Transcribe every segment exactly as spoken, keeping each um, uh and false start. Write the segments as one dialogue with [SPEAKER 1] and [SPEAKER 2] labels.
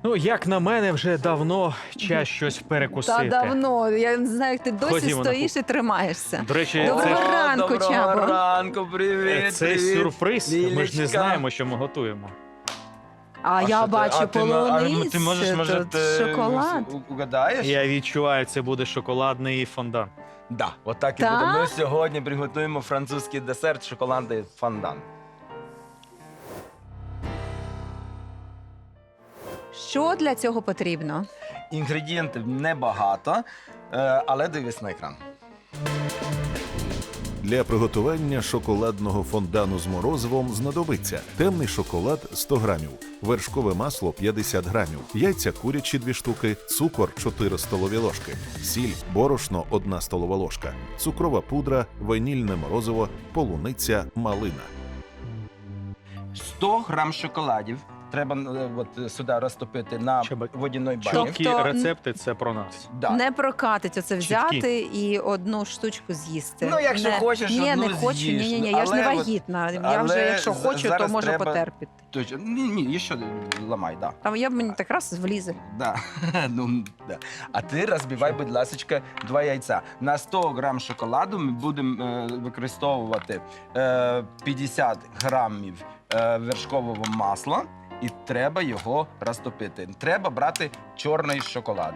[SPEAKER 1] Ну, як на мене, вже давно час щось перекусити.
[SPEAKER 2] Та давно. Я не знаю, як ти досі
[SPEAKER 1] Ходімо на
[SPEAKER 2] стоїш і тримаєшся.
[SPEAKER 1] До речі,
[SPEAKER 2] Доброго
[SPEAKER 1] це,
[SPEAKER 2] ранку,
[SPEAKER 3] Доброго
[SPEAKER 2] Чабо.
[SPEAKER 3] ранку, привіт,
[SPEAKER 1] це
[SPEAKER 3] привіт.
[SPEAKER 1] сюрприз. Ми ж не
[SPEAKER 3] Лілечка.
[SPEAKER 1] знаємо, що ми готуємо.
[SPEAKER 2] А,
[SPEAKER 3] що
[SPEAKER 2] я
[SPEAKER 3] ти-
[SPEAKER 2] бачу
[SPEAKER 3] а ти ма- а
[SPEAKER 2] полуницю,
[SPEAKER 3] Ти можеш, може,
[SPEAKER 2] тут
[SPEAKER 3] ти
[SPEAKER 2] шоколад.
[SPEAKER 3] у- угадаєш?
[SPEAKER 1] Я відчуваю, це буде шоколадний фондан.
[SPEAKER 3] Да, отак і
[SPEAKER 2] Так?
[SPEAKER 3] буде. Ми сьогодні приготуємо французький десерт шоколадний фондан.
[SPEAKER 2] Що для цього потрібно?
[SPEAKER 3] Інгредієнтів небагато, е, але дивись на екран.
[SPEAKER 4] Для приготування шоколадного фондану з морозивом знадобиться темний шоколад сто грамів, вершкове масло п'ятдесят грамів, яйця курячі дві штуки, цукор чотири столові ложки, сіль, борошно одна столова ложка, цукрова пудра, ванільне морозиво, полуниця, малина.
[SPEAKER 3] сто грам шоколадів треба е, от, сюди розтопити на
[SPEAKER 1] Чабо-
[SPEAKER 3] водяній бані.
[SPEAKER 1] Чіткі
[SPEAKER 2] Тобто-
[SPEAKER 1] рецепти це про нас.
[SPEAKER 3] Да.
[SPEAKER 2] Не прокатить оце
[SPEAKER 1] Чіткі.
[SPEAKER 2] взяти і одну штучку з'їсти.
[SPEAKER 3] Ну, якщо
[SPEAKER 2] не,
[SPEAKER 3] хочеш,
[SPEAKER 2] ні,
[SPEAKER 3] одну
[SPEAKER 2] не хочу,
[SPEAKER 3] з'їш.
[SPEAKER 2] ні, ні, ні, я ж не
[SPEAKER 3] Але от-
[SPEAKER 2] вагітна. Я
[SPEAKER 3] але
[SPEAKER 2] вже, якщо
[SPEAKER 3] з-
[SPEAKER 2] хочу, то
[SPEAKER 3] зараз
[SPEAKER 2] можу
[SPEAKER 3] треба-
[SPEAKER 2] потерпіти.
[SPEAKER 3] Точно. Ні, ні, ще ламай, да.
[SPEAKER 2] Там я мені так раз влізе.
[SPEAKER 3] Да. ну, да. А ти розбивай, будь ласка, два яйця. На сто грам шоколаду ми будемо е, використовувати е, п'ятдесят грамів е, вершкового масла, і треба його розтопити. Треба брати чорний шоколад.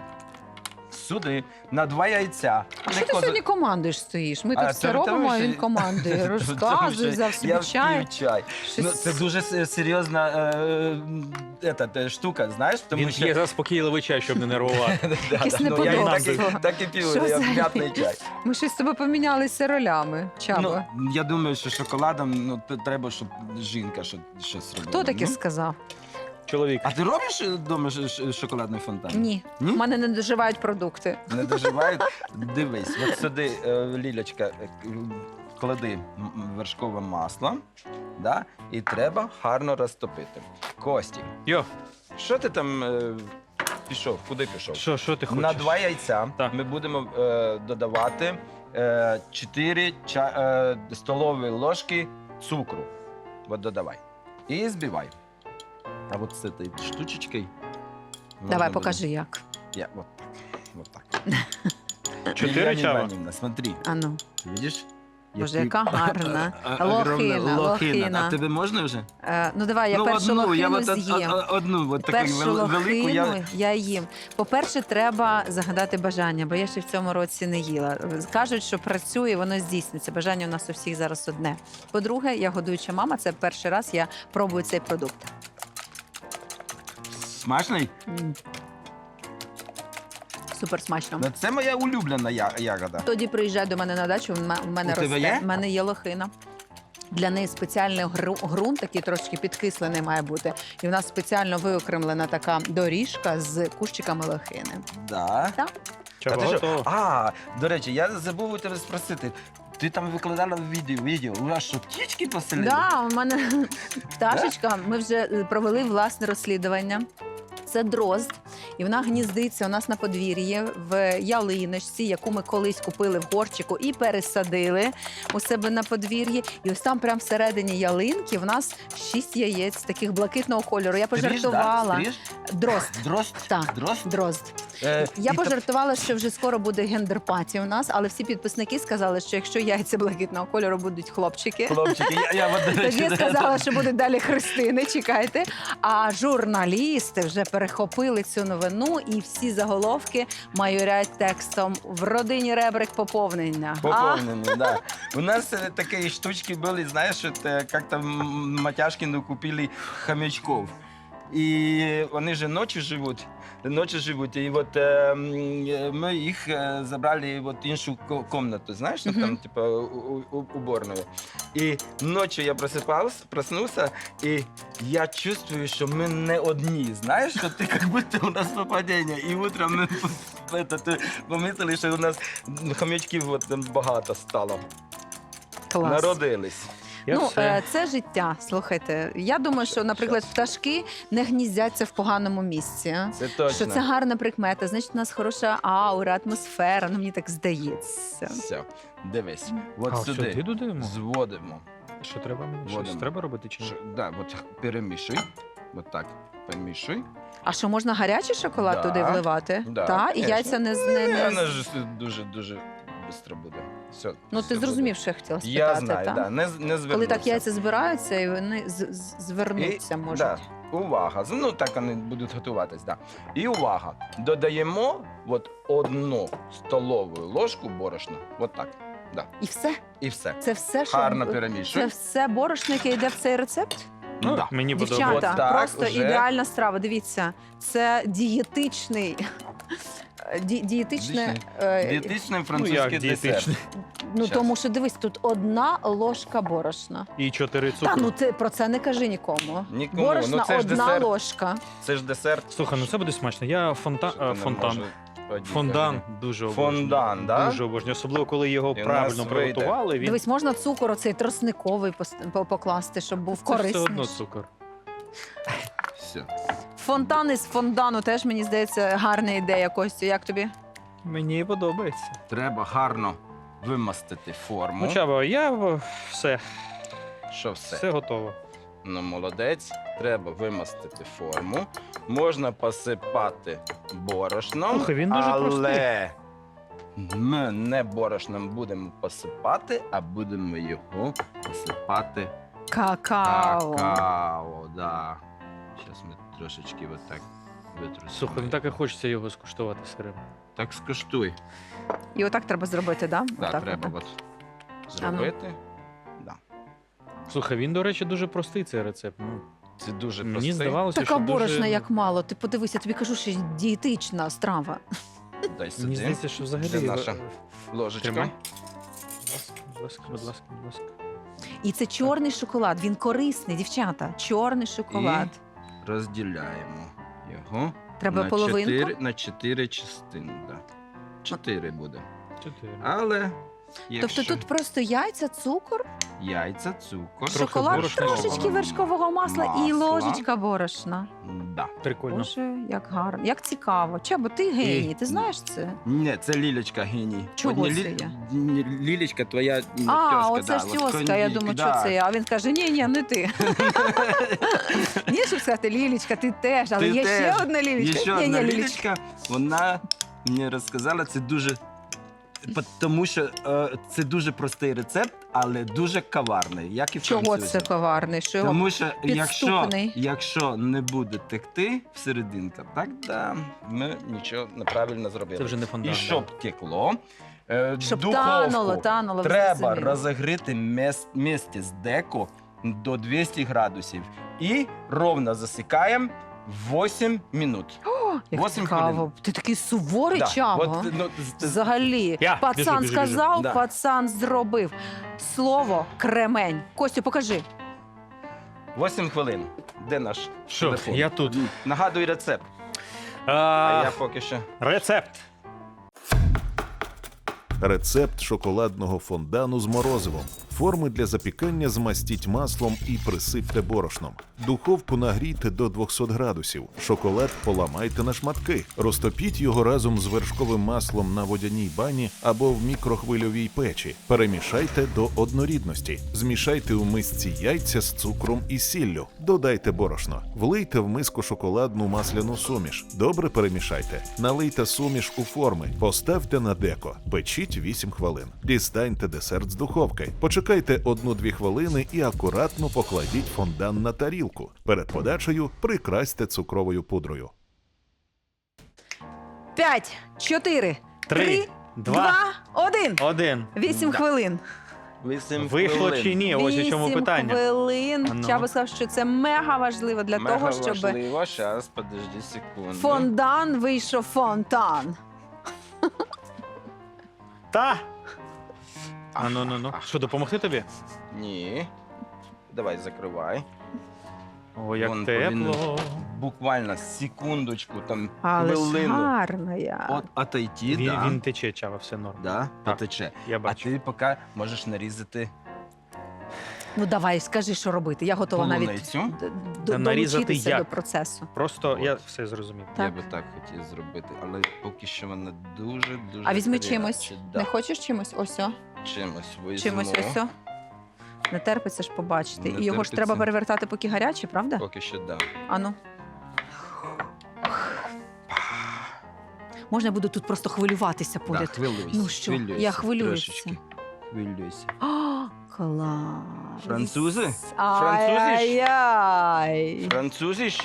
[SPEAKER 3] Сюди на два яйця.
[SPEAKER 2] А що ти
[SPEAKER 3] Легко
[SPEAKER 2] сьогодні командуєш стоїш? Ми
[SPEAKER 3] А,
[SPEAKER 2] тут
[SPEAKER 3] це
[SPEAKER 2] все
[SPEAKER 3] тому,
[SPEAKER 2] робимо, а
[SPEAKER 3] що-
[SPEAKER 2] він командує.
[SPEAKER 3] Тому
[SPEAKER 2] Розказує,
[SPEAKER 3] що
[SPEAKER 2] взяв собі
[SPEAKER 3] я
[SPEAKER 2] чай.
[SPEAKER 3] п'ю чай.
[SPEAKER 2] Щось-
[SPEAKER 3] Ну, це дуже с- серйозна е, е, ета, те, штука, знаєш? Тому
[SPEAKER 1] Він
[SPEAKER 3] що...
[SPEAKER 1] є заспокійливий чай, щоб не нервувати.
[SPEAKER 3] Да,
[SPEAKER 2] Якесь
[SPEAKER 3] да, ну, я так,
[SPEAKER 2] неподобство.
[SPEAKER 3] і- так і п'ю,
[SPEAKER 2] Що
[SPEAKER 3] я
[SPEAKER 2] за-
[SPEAKER 3] м'ятний чай.
[SPEAKER 2] Ми щось з тобою помінялися ролями, Чабо.
[SPEAKER 3] Ну, я думаю, що шоколадом ну, т- треба, щоб жінка що- щось робила.
[SPEAKER 2] Хто таке
[SPEAKER 3] ну?
[SPEAKER 2] сказав?
[SPEAKER 1] Чоловік.
[SPEAKER 3] А ти робиш вдома ш- ш- шоколадний фонтан?
[SPEAKER 2] Ні.
[SPEAKER 3] Ні?
[SPEAKER 2] У мене не доживають продукти.
[SPEAKER 3] Не доживають? Дивись, от сюди, е, Лілечка, е, к- клади м- м, вершкове масло, да? І треба гарно розтопити. Костік,
[SPEAKER 1] Йо,
[SPEAKER 3] що ти там е, пішов? Куди пішов?
[SPEAKER 1] що, що ти хочеш?
[SPEAKER 3] На два яйця
[SPEAKER 1] Так.
[SPEAKER 3] ми будемо е, додавати е, чотири ча, е, столові ложки цукру. От додавай. І збивай. А от з цією штучечкою. можна
[SPEAKER 2] Давай,
[SPEAKER 3] буде-
[SPEAKER 2] покажи як.
[SPEAKER 3] Я, от так. Вот так.
[SPEAKER 1] Чотири
[SPEAKER 3] Лілія
[SPEAKER 1] чава?
[SPEAKER 3] Іванівна, смотри.
[SPEAKER 2] Ану.
[SPEAKER 3] Видиш?
[SPEAKER 2] Боже,
[SPEAKER 3] Який-
[SPEAKER 2] яка гарна.
[SPEAKER 3] А- а-
[SPEAKER 2] Лохина,
[SPEAKER 3] огромна
[SPEAKER 2] лохина.
[SPEAKER 3] А тебе можна вже?
[SPEAKER 2] Е, ну давай, я
[SPEAKER 3] ну,
[SPEAKER 2] першу
[SPEAKER 3] одну, я
[SPEAKER 2] лохину
[SPEAKER 3] от, од-
[SPEAKER 2] з'їм.
[SPEAKER 3] од- одну, от таку
[SPEAKER 2] Першу
[SPEAKER 3] вел- велику.
[SPEAKER 2] лохину
[SPEAKER 3] Я...
[SPEAKER 2] я їм. По-перше, треба загадати бажання, бо я ще в цьому році не їла. Кажуть, що працює, воно здійсниться. Бажання у нас у всіх зараз одне. По-друге, я годуюча мама, це перший раз я пробую цей продукт.
[SPEAKER 3] Смачний?
[SPEAKER 2] М. Супер смачно.
[SPEAKER 3] Ну, це моя улюблена я- ягода.
[SPEAKER 2] Тоді приїжджай до мене на дачу, в м- в мене
[SPEAKER 3] У тебе
[SPEAKER 2] росте.
[SPEAKER 3] є?
[SPEAKER 2] В мене є лохина. Для неї спеціальний гру- ґрунт, такий трошки підкислений має бути. І в нас спеціально виокремлена така доріжка з кущиками лохини.
[SPEAKER 3] Да.
[SPEAKER 2] Так?
[SPEAKER 1] Чого
[SPEAKER 3] А, ти що?
[SPEAKER 1] готово?
[SPEAKER 3] а, до речі, я забув у тебе спросити. Ти там викладала відео, відео. У вас що, птічки поселили?
[SPEAKER 2] Да, у мене пташечка. Ми вже е, провели власне розслідування. Це дрозд, і вона гніздиться у нас на подвір'ї в ялиночці, яку ми колись купили в горчику і пересадили у себе на подвір'ї. І ось там, прямо всередині ялинки, в нас шість яєць таких блакитного кольору. Я
[SPEAKER 3] Стриж,
[SPEAKER 2] пожартувала.
[SPEAKER 3] Да? Стриж?
[SPEAKER 2] Дрозд.
[SPEAKER 3] Дрозд?
[SPEAKER 2] Так.
[SPEAKER 3] Дрозд?
[SPEAKER 2] Дрозд.
[SPEAKER 3] Е,
[SPEAKER 2] Я
[SPEAKER 3] і та-
[SPEAKER 2] пожартувала, що вже скоро буде гендер-паті у нас, але всі підписники сказали, що якщо яйця блакитного кольору будуть хлопчики.
[SPEAKER 3] Хлопчики, я, я от, до речі,
[SPEAKER 2] Тоді
[SPEAKER 3] да,
[SPEAKER 2] сказала, що будуть далі хрестини, чекайте. А журналісти вже перехопили цю новину, і всі заголовки майорять текстом «В родині ребрик поповнення». А?
[SPEAKER 3] Поповнені, да. У нас е, такі штучки були, знаєш, от, е, як-то м, Матяшкину купили хомячков. І вони же ночі живуть, ночі живуть. І от е, м, е, ми їх е, забрали в іншу ко- комнату, знаєш, ну,
[SPEAKER 2] Мгм.
[SPEAKER 3] там, типу, у- у- уборную. І ночі я просипався, проснувся, і я чувствую, що ми не одні, знаєш, що ти як будто у нас попадіння. І утром ми это, помислили, що у нас хомячків от, там багато стало.
[SPEAKER 2] Клас.
[SPEAKER 3] Народились.
[SPEAKER 1] Я
[SPEAKER 2] ну,
[SPEAKER 1] все.
[SPEAKER 2] е, це життя. Слухайте, я думаю, що, наприклад, пташки не гніздяться в поганому місці.
[SPEAKER 3] Це точно.
[SPEAKER 2] Що це гарна прикмета, значить, у нас хороша аура, атмосфера. Ну, мені так здається.
[SPEAKER 3] Все, дивись. От
[SPEAKER 1] А,
[SPEAKER 3] сюди
[SPEAKER 1] сюди додаємо?
[SPEAKER 3] зводимо.
[SPEAKER 1] Що треба мені? Щось
[SPEAKER 3] Водимо.
[SPEAKER 1] треба робити чи ні?
[SPEAKER 3] Ш- Да, от перемішуй. От так. Помішуй.
[SPEAKER 2] А що, можна гарячий шоколад
[SPEAKER 3] Да,
[SPEAKER 2] туди вливати?
[SPEAKER 3] да,
[SPEAKER 2] Та? І
[SPEAKER 3] конечно.
[SPEAKER 2] яйця не... з- не, не...
[SPEAKER 3] Воно ж дуже-дуже швидко буде. Все,
[SPEAKER 2] Ну,
[SPEAKER 3] все
[SPEAKER 2] ти
[SPEAKER 3] буде.
[SPEAKER 2] зрозумів, що я хотіла спитати,
[SPEAKER 3] Я знаю,
[SPEAKER 2] та?
[SPEAKER 3] да, не, з- не
[SPEAKER 2] Коли
[SPEAKER 3] звернуться.
[SPEAKER 2] так яйця збираються, і вони з- з- звернуться можуть.
[SPEAKER 3] Да. Увага. Ну, так вони будуть готуватись, да. І увага. Додаємо от одну столову ложку борошна. От так. Да.
[SPEAKER 2] І все?
[SPEAKER 3] І все.
[SPEAKER 2] Це все, що...
[SPEAKER 3] Гарно
[SPEAKER 2] Це
[SPEAKER 3] перемішуй.
[SPEAKER 2] все борошно, яке йде в цей рецепт?
[SPEAKER 1] Ну,
[SPEAKER 3] Да.
[SPEAKER 1] мені подобається.
[SPEAKER 2] Дівчата,
[SPEAKER 3] От так
[SPEAKER 2] просто
[SPEAKER 3] уже.
[SPEAKER 2] ідеальна страва. Дивіться, це дієтичний... Ді, дієтичне... е,
[SPEAKER 3] Дієтичний
[SPEAKER 1] Ну,
[SPEAKER 3] французький
[SPEAKER 1] як
[SPEAKER 3] десерт.
[SPEAKER 1] дієтичний.
[SPEAKER 2] ну,
[SPEAKER 3] Щас.
[SPEAKER 2] тому що, дивись, тут одна ложка борошна.
[SPEAKER 1] І чотири
[SPEAKER 2] Та,
[SPEAKER 1] цукру.
[SPEAKER 2] ну ти про це не кажи нікому.
[SPEAKER 3] Нікому.
[SPEAKER 2] Борошна
[SPEAKER 3] Ну, це ж
[SPEAKER 2] одна
[SPEAKER 3] десерт.
[SPEAKER 2] ложка.
[SPEAKER 3] Це ж десерт.
[SPEAKER 1] Слухай, ну це буде смачно. Я фонтан...
[SPEAKER 3] Що
[SPEAKER 1] а,
[SPEAKER 3] ти не
[SPEAKER 1] фонтан.
[SPEAKER 3] можеш одіти?
[SPEAKER 1] Фондан дуже обожнюю.
[SPEAKER 3] Фондан, да?
[SPEAKER 1] Дуже обожнюю. Особливо, коли його
[SPEAKER 3] І у
[SPEAKER 1] правильно
[SPEAKER 3] нас вийде.
[SPEAKER 1] приготували. Він...
[SPEAKER 2] Дивись, можна цукор оцей тросниковий пос- по- покласти, щоб був
[SPEAKER 1] Це ж все
[SPEAKER 2] корисний.
[SPEAKER 1] одно цукор.
[SPEAKER 3] Все.
[SPEAKER 2] Фонтан із фондану теж, мені здається, гарна ідея, Костю. Як тобі?
[SPEAKER 1] Мені подобається.
[SPEAKER 3] Треба гарно вимастити форму.
[SPEAKER 1] Ну, Чаба, я в- все,
[SPEAKER 3] Що все?
[SPEAKER 1] все готово.
[SPEAKER 3] Ну, молодець. Треба вимастити форму. Можна посипати борошном,
[SPEAKER 1] Слухай, він дуже
[SPEAKER 3] але ми не борошном будемо посипати, а будемо його посипати
[SPEAKER 2] Какао.
[SPEAKER 3] какао. Да. Зараз ми трошечки отак витрусимо.
[SPEAKER 1] Слухай, ну так і хочеться його скуштувати сирим.
[SPEAKER 3] Так скуштуй.
[SPEAKER 2] І отак треба зробити, да?
[SPEAKER 3] Да,
[SPEAKER 2] Отак,
[SPEAKER 3] треба
[SPEAKER 2] отак.
[SPEAKER 3] от зробити. Да.
[SPEAKER 1] Слухай, він, до речі, дуже простий цей рецепт. Ну,
[SPEAKER 3] Це дуже
[SPEAKER 1] мені
[SPEAKER 3] простий.
[SPEAKER 1] здавалося,
[SPEAKER 2] Така
[SPEAKER 1] що
[SPEAKER 2] борошна,
[SPEAKER 1] дуже...
[SPEAKER 2] як мало. Ти подивися, я тобі кажу, що дієтична страва.
[SPEAKER 3] Дай сюди.
[SPEAKER 1] Мені здається, що взагалі...
[SPEAKER 3] Де наша
[SPEAKER 1] е,
[SPEAKER 3] ложечка.
[SPEAKER 1] Тримай. Будь ласка, будь ласка, будь ласка.
[SPEAKER 2] І це чорний шоколад. Він корисний, дівчата. Чорний шоколад.
[SPEAKER 3] Розділяємо його
[SPEAKER 2] Треба
[SPEAKER 3] на
[SPEAKER 2] половинку?
[SPEAKER 3] чотири, на чотири частини. Да. Чотири буде.
[SPEAKER 1] Чотири.
[SPEAKER 3] Але якщо
[SPEAKER 2] Тобто тут просто яйця, цукор,
[SPEAKER 3] яйця, цукор,
[SPEAKER 2] шоколад,
[SPEAKER 1] борошна,
[SPEAKER 2] трошечки
[SPEAKER 3] вершкового
[SPEAKER 2] вершкового масла і
[SPEAKER 3] масла.
[SPEAKER 2] ложечка борошна.
[SPEAKER 3] Да.
[SPEAKER 1] Прикольно.
[SPEAKER 2] Боже, як гарно, як цікаво. Чабо, ти геній, ти знаєш це?
[SPEAKER 3] Ні, це Лілечка геній.
[SPEAKER 2] Чого
[SPEAKER 3] От не
[SPEAKER 2] це
[SPEAKER 3] Лі-
[SPEAKER 2] я?
[SPEAKER 3] ні, Лілечка твоя м,
[SPEAKER 2] А,
[SPEAKER 3] тьоска,
[SPEAKER 2] оце
[SPEAKER 3] да,
[SPEAKER 2] ж
[SPEAKER 3] от
[SPEAKER 2] тьоска, я
[SPEAKER 3] кондик,
[SPEAKER 2] думаю,
[SPEAKER 3] да.
[SPEAKER 2] що це я. А він каже, ні, ні, не ти. Ні, щоб сказати, Лілічка, ти теж, але
[SPEAKER 3] Ти
[SPEAKER 2] є
[SPEAKER 3] теж.
[SPEAKER 2] ще одна
[SPEAKER 3] Є
[SPEAKER 2] Лілічка.
[SPEAKER 3] ще
[SPEAKER 2] Ні,
[SPEAKER 3] одна
[SPEAKER 2] ні, Лілічка.
[SPEAKER 3] Лілечка, вона мені розказала, це дуже. Тому що е, це дуже простий рецепт, але дуже коварний, як і в
[SPEAKER 2] Чого
[SPEAKER 3] французів.
[SPEAKER 2] це коварний? Що його...
[SPEAKER 3] Тому що якщо,
[SPEAKER 2] підступний.
[SPEAKER 3] якщо не буде текти всерединка, так да, ми нічого неправильно зробили.
[SPEAKER 1] Це вже не фондан.
[SPEAKER 3] І щоб текло, е,
[SPEAKER 2] Щоб
[SPEAKER 3] духовку
[SPEAKER 2] тануло, тануло. ви
[SPEAKER 3] треба
[SPEAKER 2] зрозуміли.
[SPEAKER 3] розігріти мес- місце з деко до двісті градусів і ровно засікаємо вісім минут.
[SPEAKER 2] О, як
[SPEAKER 3] Восім
[SPEAKER 2] цікаво.
[SPEAKER 3] хвилин.
[SPEAKER 2] Ти такий суворий,
[SPEAKER 3] Да,
[SPEAKER 2] Чаба.
[SPEAKER 3] от, ну, з- з-
[SPEAKER 2] Взагалі,
[SPEAKER 1] Я,
[SPEAKER 2] пацан
[SPEAKER 1] біжу, біжу, біжу.
[SPEAKER 2] сказав,
[SPEAKER 3] Да.
[SPEAKER 2] пацан зробив. Слово кремень. Костю, покажи.
[SPEAKER 3] вісім хвилин. Де наш
[SPEAKER 1] Що,
[SPEAKER 3] телефон?
[SPEAKER 1] я тут.
[SPEAKER 3] Нагадуй рецепт. А
[SPEAKER 1] А,
[SPEAKER 3] я поки що.
[SPEAKER 1] Рецепт.
[SPEAKER 4] Рецепт шоколадного фондану з морозивом. Форми для запікання змастіть маслом і присипте борошном. Духовку нагрійте до двохсот градусів. Шоколад поламайте на шматки. Розтопіть його разом з вершковим маслом на водяній бані або в мікрохвильовій печі. Перемішайте до однорідності. Змішайте у мисці яйця з цукром і сіллю. Додайте борошно. Влийте в миску шоколадну масляну суміш. Добре перемішайте. Налийте суміш у форми. Поставте на деко. Печіть вісім хвилин. Дістаньте десерт з духовки. Почекайте одну-дві хвилини і акуратно покладіть фондан на тарілку. Перед подачею прикрасьте цукровою пудрою.
[SPEAKER 2] П'ять, чотири,
[SPEAKER 1] Три,
[SPEAKER 2] три,
[SPEAKER 1] два,
[SPEAKER 2] два, один.
[SPEAKER 1] Один.
[SPEAKER 2] Вісім
[SPEAKER 3] Да.
[SPEAKER 2] хвилин.
[SPEAKER 3] Вісім
[SPEAKER 1] Вийшло
[SPEAKER 3] хвилин.
[SPEAKER 1] чи ні? Ось у чому
[SPEAKER 2] Вісім
[SPEAKER 1] питання.
[SPEAKER 2] хвилин.
[SPEAKER 1] А ну.
[SPEAKER 2] Чаба сказав, що це мега важливо для
[SPEAKER 3] Мега
[SPEAKER 2] того, щоб
[SPEAKER 3] важливо. Щас, подожди секунду.
[SPEAKER 2] фондан вийшов фонтан.
[SPEAKER 1] Та. А ну ну ну. Що, допомогти тобі?
[SPEAKER 3] Ні. Давай, закривай.
[SPEAKER 1] О, як
[SPEAKER 3] Вон
[SPEAKER 1] тепло.
[SPEAKER 3] повинен Буквально секундочку, там
[SPEAKER 2] Але ж
[SPEAKER 3] хвилину.
[SPEAKER 2] гарна я.
[SPEAKER 3] От отойти,
[SPEAKER 1] Він,
[SPEAKER 3] да.
[SPEAKER 1] він тече, Чава, все норм.
[SPEAKER 3] Да,
[SPEAKER 1] Так.
[SPEAKER 3] потече.
[SPEAKER 1] Я
[SPEAKER 3] А
[SPEAKER 1] бачу.
[SPEAKER 3] ти поки можеш нарізати
[SPEAKER 2] Ну давай, скажи, що робити. Я готова навіть
[SPEAKER 3] полуницю.
[SPEAKER 2] д- д-
[SPEAKER 1] Нарізати
[SPEAKER 2] долучитися
[SPEAKER 1] як?
[SPEAKER 2] до процесу.
[SPEAKER 1] Просто
[SPEAKER 3] От.
[SPEAKER 1] я все зрозумів.
[SPEAKER 3] Я
[SPEAKER 2] Так.
[SPEAKER 3] би так хотів зробити, але поки що вона дуже дуже.
[SPEAKER 2] А візьми
[SPEAKER 3] гаряча.
[SPEAKER 2] чимось.
[SPEAKER 3] Да.
[SPEAKER 2] Не хочеш чимось? Ось о.
[SPEAKER 3] Чимось візьму.
[SPEAKER 2] Чимось ось о. Не терпиться ж побачити.
[SPEAKER 3] Не
[SPEAKER 2] І його ж
[SPEAKER 3] терпиться.
[SPEAKER 2] треба перевертати, поки гаряче, правда?
[SPEAKER 3] Поки що да.
[SPEAKER 2] Ану. Можна я буду тут просто хвилюватися
[SPEAKER 3] Да,
[SPEAKER 2] поряд?
[SPEAKER 3] хвилюйся,
[SPEAKER 2] Ну що,
[SPEAKER 3] хвилюйся,
[SPEAKER 2] я хвилююся.
[SPEAKER 3] трошечки. Хвилюйся.
[SPEAKER 2] О, клас.
[SPEAKER 3] Французи?
[SPEAKER 2] Ай-яй-яй.
[SPEAKER 3] Французиш?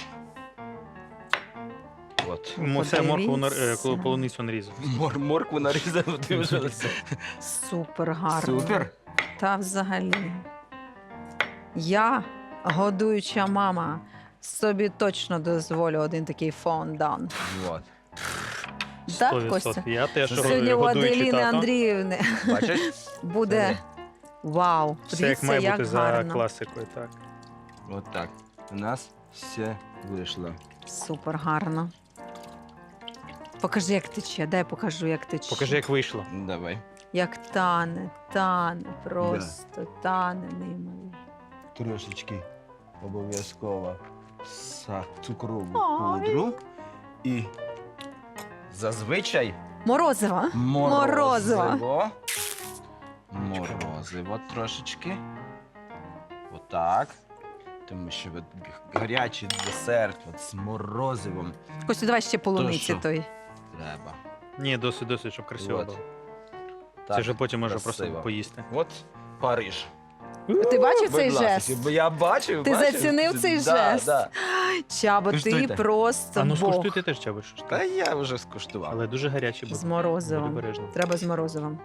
[SPEAKER 3] От.
[SPEAKER 1] Мо- Це моркву нар- е,
[SPEAKER 2] Подивіться.
[SPEAKER 1] коли полуницю нарізав.
[SPEAKER 3] Мор, моркву нарізав, ти вже.
[SPEAKER 2] Супер гарно.
[SPEAKER 3] Супер.
[SPEAKER 2] Та взагалі. Я, годуюча мама, собі точно дозволю один такий фондан.
[SPEAKER 3] От.
[SPEAKER 2] Так,
[SPEAKER 1] сто
[SPEAKER 2] Костя?
[SPEAKER 1] відсотків. Я теж
[SPEAKER 2] Сьогодні у
[SPEAKER 1] годуючий
[SPEAKER 2] Аделіни
[SPEAKER 1] тато.
[SPEAKER 2] Андріївни
[SPEAKER 3] Бачиш?
[SPEAKER 2] буде вау.
[SPEAKER 1] Все як
[SPEAKER 2] Подивіться,
[SPEAKER 1] має
[SPEAKER 2] як
[SPEAKER 1] бути за
[SPEAKER 2] гарно.
[SPEAKER 1] класикою, так.
[SPEAKER 3] От так. У нас все вийшло.
[SPEAKER 2] Супер гарно. Покажи, як тече. Дай покажу, як тече.
[SPEAKER 1] Покажи, як вийшло.
[SPEAKER 3] Давай.
[SPEAKER 2] Як тане, тане, просто тане неймовірно.
[SPEAKER 3] Трошечки обов'язково са- цукрову
[SPEAKER 2] Ой.
[SPEAKER 3] пудру. І зазвичай
[SPEAKER 2] Морозиво.
[SPEAKER 3] морозиво. Морозиво трошечки. Отак. Тому що от гарячий десерт от з морозивом
[SPEAKER 2] Костя, давай ще полуниці
[SPEAKER 3] що?
[SPEAKER 2] той.
[SPEAKER 3] треба.
[SPEAKER 1] Ні, досить, досить, щоб красиво
[SPEAKER 3] От.
[SPEAKER 1] було.
[SPEAKER 3] Так,
[SPEAKER 1] Це вже потім може
[SPEAKER 3] красиво.
[SPEAKER 1] просто поїсти.
[SPEAKER 3] От Париж.
[SPEAKER 2] Ти бачив цей
[SPEAKER 3] Будь ласка,
[SPEAKER 2] жест?
[SPEAKER 3] бо Я бачив.
[SPEAKER 2] Ти
[SPEAKER 3] бачив.
[SPEAKER 2] зацінив цей
[SPEAKER 3] Да,
[SPEAKER 2] жест?
[SPEAKER 3] Да.
[SPEAKER 2] Чабо, ти
[SPEAKER 3] Куштуйте.
[SPEAKER 2] просто
[SPEAKER 1] А ну
[SPEAKER 2] Бог.
[SPEAKER 1] скуштуй ти теж, Чабиш.
[SPEAKER 3] Та я вже скуштував.
[SPEAKER 1] Але дуже гарячий буде.
[SPEAKER 2] З морозивом.
[SPEAKER 1] Будь обережно.
[SPEAKER 2] Треба з морозивом.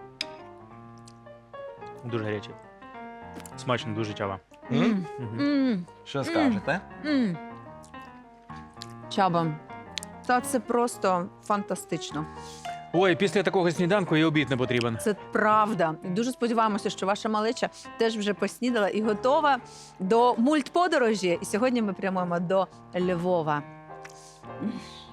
[SPEAKER 1] Дуже гарячий. Смачно, дуже Чаба.
[SPEAKER 3] М?
[SPEAKER 2] М,
[SPEAKER 1] Мгм.
[SPEAKER 2] м,
[SPEAKER 3] Що скажете?
[SPEAKER 2] м. Чаба, та це просто фантастично.
[SPEAKER 1] Ой, після такого сніданку і обід не потрібен.
[SPEAKER 2] Це правда. І дуже сподіваємося, що ваша малеча теж вже поснідала і готова до мультподорожі. І сьогодні ми прямуємо до Львова. М.